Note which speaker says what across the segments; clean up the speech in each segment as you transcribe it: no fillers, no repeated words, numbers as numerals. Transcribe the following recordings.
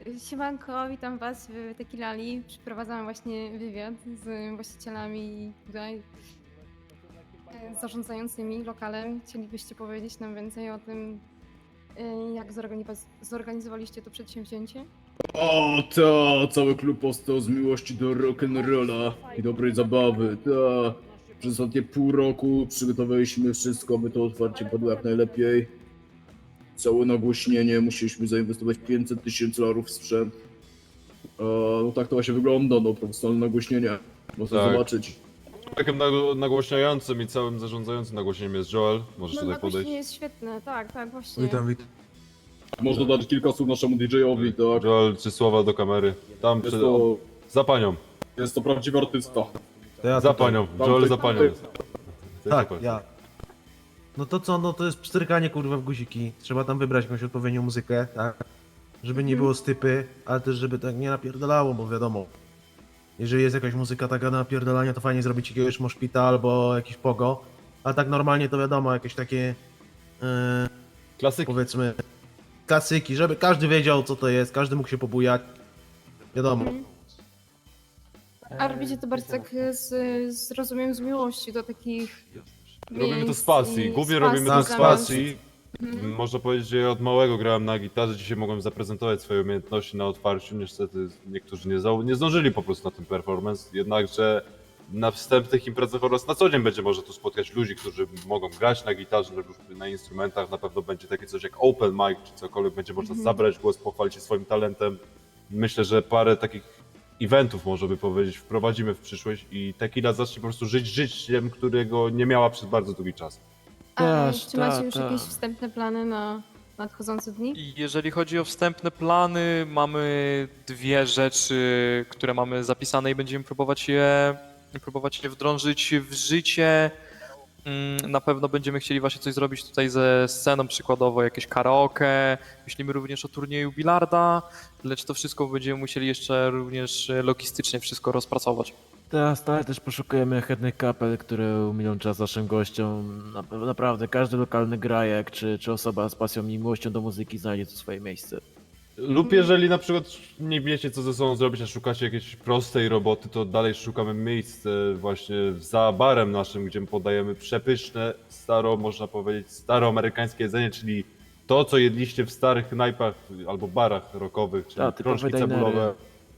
Speaker 1: Siemanko, witam Was w Tequilali. Przeprowadzamy właśnie wywiad z właścicielami tutaj, zarządzającymi lokalem. Chcielibyście powiedzieć nam więcej o tym, jak zorganizowaliście to przedsięwzięcie?
Speaker 2: O, ta, cały klub powstał z miłości do rock'n'rolla i dobrej zabawy, ta. Przez ostatnie pół roku przygotowaliśmy wszystko, by to otwarcie padło jak najlepiej. Całe nagłośnienie, musieliśmy zainwestować 500 tysięcy dolarów w sprzęt. No tak to właśnie wygląda, no, profesjonalne nagłośnienie. Można
Speaker 3: Tak.
Speaker 2: zobaczyć.
Speaker 3: Takim nagłośniającym i całym zarządzającym nagłośnieniem jest Joel. Możesz tutaj podejść.
Speaker 1: Nagłośnienie jest świetne, tak, właśnie.
Speaker 4: Witam, witam.
Speaker 2: Można dać kilka słów naszemu DJ-owi, tak.
Speaker 3: Joel, 3 słowa do kamery. Tam
Speaker 2: Jest
Speaker 3: przed...
Speaker 2: to,
Speaker 3: Za panią.
Speaker 2: jest to prawdziwy artysta.
Speaker 4: To ja
Speaker 3: Za
Speaker 4: tutaj.
Speaker 3: panią.
Speaker 2: Tam
Speaker 3: Joel
Speaker 2: ty-
Speaker 3: za panią
Speaker 2: ty-
Speaker 3: jest.
Speaker 4: Tak, ja. No to co, no to jest pstrykanie kurwa w guziki. Trzeba tam wybrać jakąś odpowiednią muzykę, tak? Żeby nie było stypy, ale też żeby tak nie napierdalało, bo wiadomo. Jeżeli jest jakaś muzyka taka na napierdalania, to fajnie zrobić jakiegoś moshpita albo jakiś pogo. A tak normalnie to wiadomo, jakieś takie
Speaker 3: Klasyki.
Speaker 4: powiedzmy klasyki, żeby każdy wiedział co to jest, każdy mógł się pobujać. Wiadomo.
Speaker 1: A robicie to bardzo tak rozumiem, z miłości do takich
Speaker 3: Robimy to
Speaker 1: miejsc
Speaker 3: z pasji.
Speaker 1: i
Speaker 3: Głównie
Speaker 1: z
Speaker 3: robimy to
Speaker 4: Tak,
Speaker 3: z
Speaker 4: z
Speaker 3: pasji. Można powiedzieć, że ja od małego grałem na gitarze. Dzisiaj mogłem zaprezentować swoje umiejętności na otwarciu. Niestety niektórzy nie zdążyli po prostu na ten performance. Jednakże na wstępnych imprezach oraz na co dzień będzie można tu spotkać ludzi, którzy mogą grać na gitarze lub na instrumentach. Na pewno będzie takie coś jak open mic czy cokolwiek. Będzie można zabrać głos, pochwalić się swoim talentem. Myślę, że parę takich eventów, można by powiedzieć, wprowadzimy w przyszłość i Tequila zacznie po prostu żyć życiem, którego nie miała przez bardzo długi czas.
Speaker 1: A
Speaker 5: Też,
Speaker 1: czy macie już
Speaker 5: tak.
Speaker 1: jakieś wstępne plany na nadchodzące dni?
Speaker 5: I jeżeli chodzi o wstępne plany, mamy dwie rzeczy, które mamy zapisane i będziemy próbować je wdrążyć w życie. Na pewno będziemy chcieli właśnie coś zrobić tutaj ze sceną, przykładowo jakieś karaoke. Myślimy również o turnieju bilarda, lecz to wszystko będziemy musieli jeszcze również logistycznie wszystko rozpracować.
Speaker 6: Teraz stale też poszukujemy chętnych kapel, które umilą czas naszym gościom. Naprawdę, każdy lokalny grajek, czy osoba z pasją i miłością do muzyki znajdzie tu swoje miejsce.
Speaker 3: Lub jeżeli na przykład nie wiecie co ze sobą zrobić, a szukacie jakiejś prostej roboty, to dalej szukamy miejsc właśnie za barem naszym, gdzie podajemy przepyszne, można powiedzieć, staroamerykańskie jedzenie, czyli to, co jedliście w starych knajpach albo barach rockowych, czyli
Speaker 6: Tak, typowe
Speaker 3: krążki
Speaker 6: dinery.
Speaker 3: cebulowe,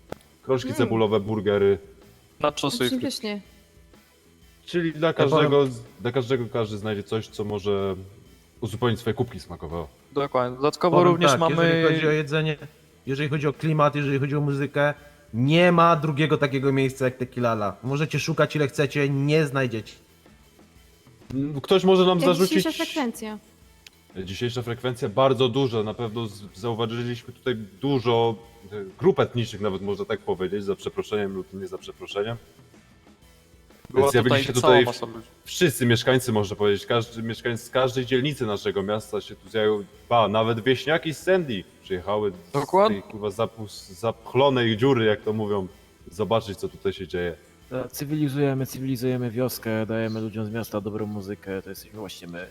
Speaker 3: burgery.
Speaker 5: Na czosy
Speaker 1: Brzmi pysznie.
Speaker 3: Czyli dla każdego każdy znajdzie coś, co może uzupełnić swoje kubki smakowe.
Speaker 5: Dokładnie. Dodatkowo
Speaker 4: Powiem
Speaker 5: również
Speaker 4: tak,
Speaker 5: mamy...
Speaker 4: jeżeli chodzi o jedzenie, jeżeli chodzi o klimat, jeżeli chodzi o muzykę, nie ma drugiego takiego miejsca jak Tequilala. Możecie szukać ile chcecie, nie znajdziecie.
Speaker 3: Ktoś może nam
Speaker 1: Jak
Speaker 3: zarzucić...
Speaker 1: dzisiejsza frekwencja?
Speaker 3: Dzisiejsza frekwencja bardzo duża, na pewno zauważyliśmy tutaj dużo grup etnicznych, nawet można tak powiedzieć, za przeproszeniem lub nie za przeproszeniem.
Speaker 5: Była
Speaker 3: Zjawili
Speaker 5: tutaj
Speaker 3: się
Speaker 5: cała
Speaker 3: tutaj
Speaker 5: masa ludzi.
Speaker 3: wszyscy mieszkańcy, można powiedzieć, każdy mieszkaniec z każdej dzielnicy naszego miasta się tu zjawił, nawet wieśniaki z Sandy przyjechały
Speaker 5: Dokładnie.
Speaker 3: z tej kurwa zapchlonej dziury, jak to mówią, zobaczyć co tutaj się dzieje.
Speaker 6: Tak, cywilizujemy wioskę, dajemy ludziom z miasta dobrą muzykę, to jesteśmy właśnie my.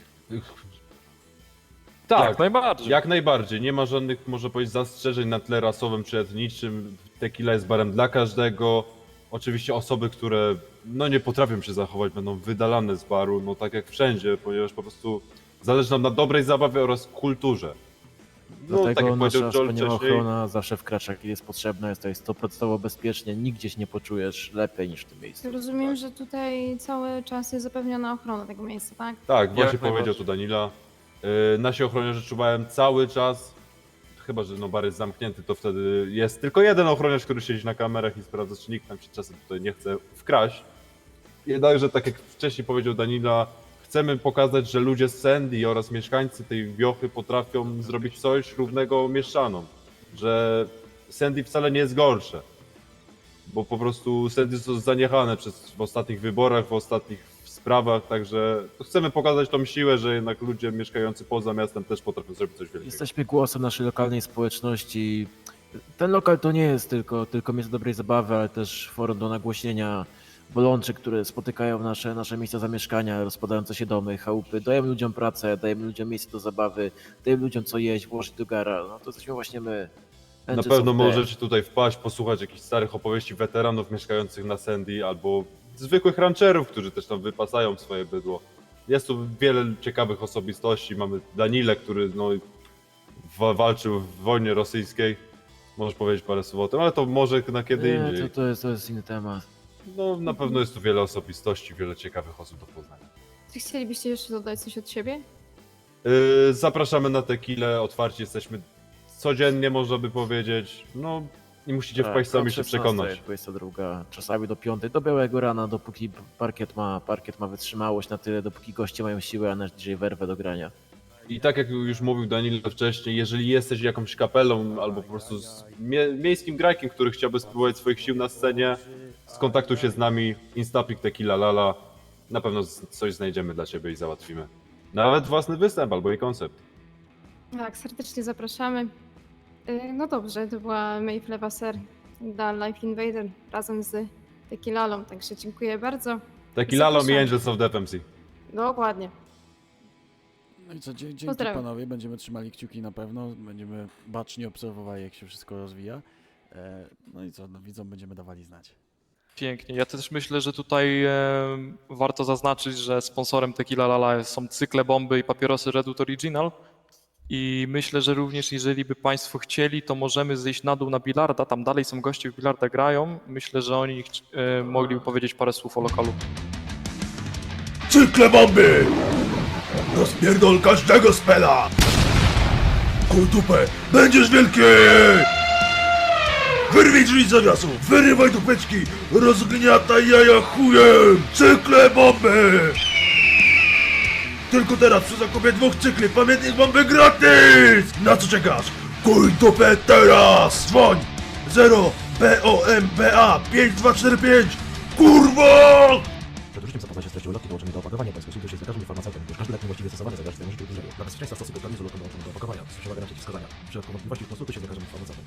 Speaker 3: Tak,
Speaker 5: Jak najbardziej.
Speaker 3: jak najbardziej. Nie ma żadnych, można powiedzieć, zastrzeżeń na tle rasowym czy etniczym. Tequila jest barem dla każdego. Oczywiście osoby, które nie potrafią się zachować, będą wydalane z baru, tak jak wszędzie, ponieważ po prostu zależy nam na dobrej zabawie oraz kulturze.
Speaker 6: Dlatego
Speaker 3: tak jak powiedział
Speaker 6: nasza
Speaker 3: Joel
Speaker 6: wspaniała
Speaker 3: wcześniej,
Speaker 6: ochrona zawsze wkracza, kiedy jest potrzebna, jest tutaj 100% bezpiecznie, nigdzie się nie poczujesz lepiej niż w tym miejscu.
Speaker 1: Rozumiem, że tutaj cały czas jest zapewniona ochrona tego miejsca, tak?
Speaker 3: tak, właśnie
Speaker 5: Jak
Speaker 3: powiedział
Speaker 5: najbardziej.
Speaker 3: to Danila. Nasi ochroniarze czuwają cały czas, chyba że bar jest zamknięty, to wtedy jest tylko jeden ochroniarz, który siedzi na kamerach i sprawdza, czy nikt nam się czasem tutaj nie chce wkraść. Jednakże, tak jak wcześniej powiedział Danila, chcemy pokazać, że ludzie z Sandy oraz mieszkańcy tej wiochy potrafią zrobić coś równego mieszczanom. Że Sandy wcale nie jest gorsze. Bo po prostu Sandy są zaniechane w ostatnich wyborach, w ostatnich sprawach, także chcemy pokazać tą siłę, że jednak ludzie mieszkający poza miastem też potrafią zrobić coś wielkiego.
Speaker 6: Jesteśmy głosem naszej lokalnej społeczności. Ten lokal to nie jest tylko miejsce dobrej zabawy, ale też forum do nagłośnienia bolączek, które spotykają nasze miejsca zamieszkania, rozpadające się domy, chałupy. Dajemy ludziom pracę, dajemy ludziom miejsce do zabawy, dajemy ludziom co jeść, włożyć do gara. No to jesteśmy właśnie my.
Speaker 3: Na
Speaker 6: Angels
Speaker 3: pewno
Speaker 6: of Death.
Speaker 3: możecie tutaj wpaść, posłuchać jakichś starych opowieści weteranów mieszkających na Sandy albo zwykłych rancherów, którzy też tam wypasają swoje bydło. Jest tu wiele ciekawych osobistości. Mamy Danilę, który no, walczył w wojnie rosyjskiej. Możesz powiedzieć parę słów o tym, ale to może na kiedy
Speaker 6: Nie,
Speaker 3: indziej.
Speaker 6: to jest inny temat.
Speaker 3: No na pewno jest tu wiele osobistości, wiele ciekawych osób do poznania.
Speaker 1: Czy chcielibyście jeszcze dodać coś od siebie?
Speaker 3: Zapraszamy na tequilę, otwarci jesteśmy codziennie, można by powiedzieć. No i musicie
Speaker 6: Tak,
Speaker 3: wpaść sami
Speaker 6: od
Speaker 3: się
Speaker 6: 16,
Speaker 3: przekonać.
Speaker 6: 22, czasami do 5, do białego rana, dopóki parkiet ma wytrzymałość na tyle, dopóki goście mają siłę, a nasz DJ werwę do grania.
Speaker 3: I tak jak już mówił Danilo wcześniej, jeżeli jesteś jakąś kapelą albo po prostu z miejskim grajkiem, który chciałby spróbować swoich sił na scenie, skontaktuj się z nami, Instapic Tequila Lala. Na pewno coś znajdziemy dla ciebie i załatwimy. Nawet własny występ albo i koncept.
Speaker 1: Tak, serdecznie zapraszamy. No dobrze, to była Maeve Levasseur, da Life Invader razem z Tequilalą, także dziękuję bardzo.
Speaker 3: Tequila i
Speaker 1: Zapraszam.
Speaker 3: Angels of Death MC.
Speaker 1: Dokładnie.
Speaker 7: No i co, dzięki
Speaker 1: Pozdrawiam.
Speaker 7: panowie, będziemy trzymali kciuki na pewno, będziemy bacznie obserwowali, jak się wszystko rozwija. No i co, no, widzom będziemy dawali znać.
Speaker 5: Pięknie. Ja też myślę, że tutaj warto zaznaczyć, że sponsorem Tequila Lala są cykle bomby i papierosy Redut Original. I myślę, że również jeżeli by Państwo chcieli, to możemy zejść na dół na bilarda. Tam dalej są goście w bilarda grają. Myślę, że oni mogliby powiedzieć parę słów o lokalu.
Speaker 2: Cykle bomby! Rozpierdol każdego spela! Kuj dupę, będziesz wielki! Wyrwij drzwi z zawiasu, wyrywaj dupeczki, rozgniataj jaja chujem! Cykle bomby! Tylko teraz przy zakupie 2 cykli pamiętnik bomby gratis! Na co czekasz? Kuj dupę teraz! Dzwoń! 0 BOMBA 5245 Kurwa!
Speaker 8: Przed użyciem zapoznać się z treścią ulotki dołączonej do opakowania, bądź konsultuj się z lekarzem i farmaceutą, gdyż każdy lek niewłaściwie stosowany zagraża swojemu życiu i zdrowiu. Dla bezpieczeństwa stosuj dokładnie z ulotką dołączoną do opakowania. Stosuj uwagę na przeciwwskazania. W przypadku wątpliwości konsultuj się z lekarzem i farmaceutą.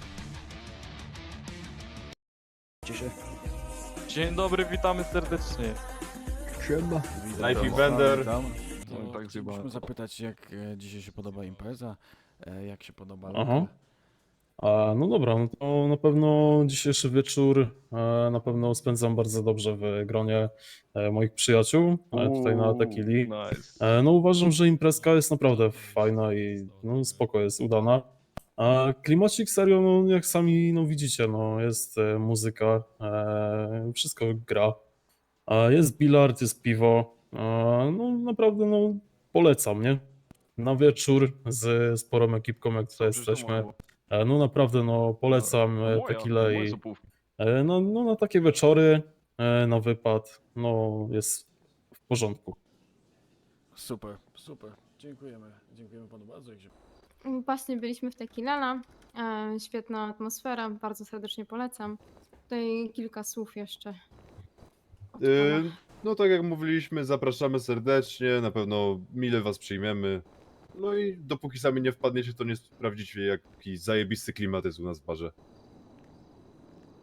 Speaker 5: Dzień dobry, witamy serdecznie.
Speaker 3: Life Invader.
Speaker 7: Witam.
Speaker 5: No,
Speaker 7: To
Speaker 5: tak zjebałem.
Speaker 7: chcielibyśmy zapytać, jak dzisiaj się podoba impreza, jak się podoba
Speaker 9: Aha.
Speaker 7: lokal.
Speaker 9: No dobra, no to na pewno dzisiejszy wieczór na pewno spędzam bardzo dobrze w gronie moich przyjaciół tutaj na Tequili.
Speaker 5: Nice.
Speaker 9: No uważam, że imprezka jest naprawdę fajna i no spoko jest, udana. A klimacik serio, no jak sami no widzicie, no jest muzyka, wszystko gra. Jest bilard, jest piwo. No naprawdę no polecam, nie? Na wieczór z sporą ekipką, jak tutaj jesteśmy. No naprawdę, no polecam tequilę i no na takie wieczory, na wypad, no jest w porządku.
Speaker 7: Super, super. Dziękujemy panu bardzo.
Speaker 1: Właśnie byliśmy w Tequilala, świetna atmosfera, bardzo serdecznie polecam. Tutaj kilka słów jeszcze. od pana.
Speaker 3: No tak jak mówiliśmy, zapraszamy serdecznie, na pewno mile was przyjmiemy. No i dopóki sami nie wpadniecie, to nie sprawdzicie jaki zajebisty klimat jest u nas w barze.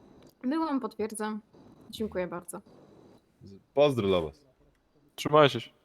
Speaker 1: Byłam, potwierdzam. Dziękuję bardzo.
Speaker 3: Pozdro dla was.
Speaker 5: Trzymajcie się.